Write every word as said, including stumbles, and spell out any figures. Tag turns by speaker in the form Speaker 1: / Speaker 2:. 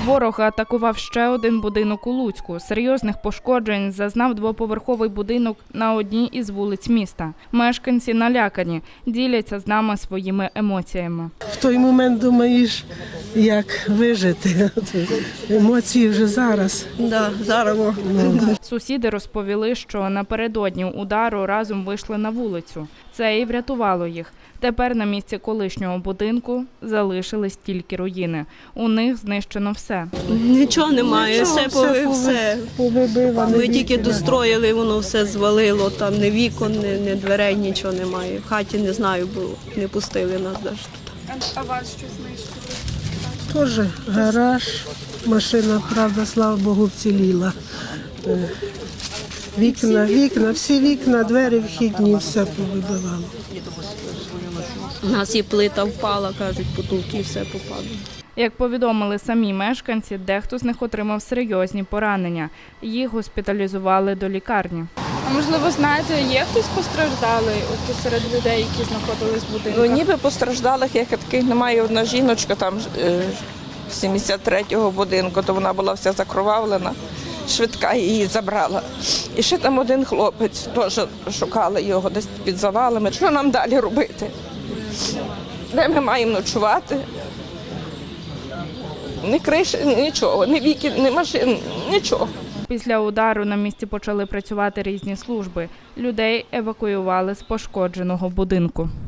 Speaker 1: Ворог атакував ще один будинок у Луцьку. Серйозних пошкоджень зазнав двоповерховий будинок на одній із вулиць міста. Мешканці налякані, діляться з нами своїми емоціями.
Speaker 2: В той момент думаєш, як вижити. Емоції вже зараз.
Speaker 3: Да, зараз.
Speaker 1: Сусіди розповіли, що напередодні удару разом вийшли на вулицю. Це і врятувало їх. Тепер на місці колишнього будинку залишились тільки руїни. У них знищено все.
Speaker 3: Нічого немає,
Speaker 2: Нічого,
Speaker 3: все,
Speaker 2: все,
Speaker 3: все.
Speaker 2: Повибивано.
Speaker 3: Ми тільки достроїли, воно все звалило, там ні вікон, ні, ні дверей, нічого немає. В хаті не знаю, бо не пустили нас навіть тут.
Speaker 1: А вас що знищили?
Speaker 2: Теж гараж, машина, правда, слава Богу, вціліла. Вікна, вікна, всі вікна, двері вхідні, все повибивало.
Speaker 3: У нас і плита впала, кажуть, потолки, все попало.
Speaker 1: Як повідомили самі мешканці, дехто з них отримав серйозні поранення. Їх госпіталізували до лікарні.
Speaker 4: А можливо, знаєте, є хтось постраждалий от серед людей, які знаходились в будинках?
Speaker 5: Ну, ніби постраждалих, як таких немає. Одна жіночка там е, з сімдесят третього будинку, то вона була вся закровавлена, швидка її забрала. І ще там один хлопець, теж шукали його десь під завалами. Що нам далі робити? Де ми маємо ночувати? Ні криші, нічого, ні вікін, ні машин, нічого.
Speaker 1: Після удару на місці почали працювати різні служби. Людей евакуювали з пошкодженого будинку.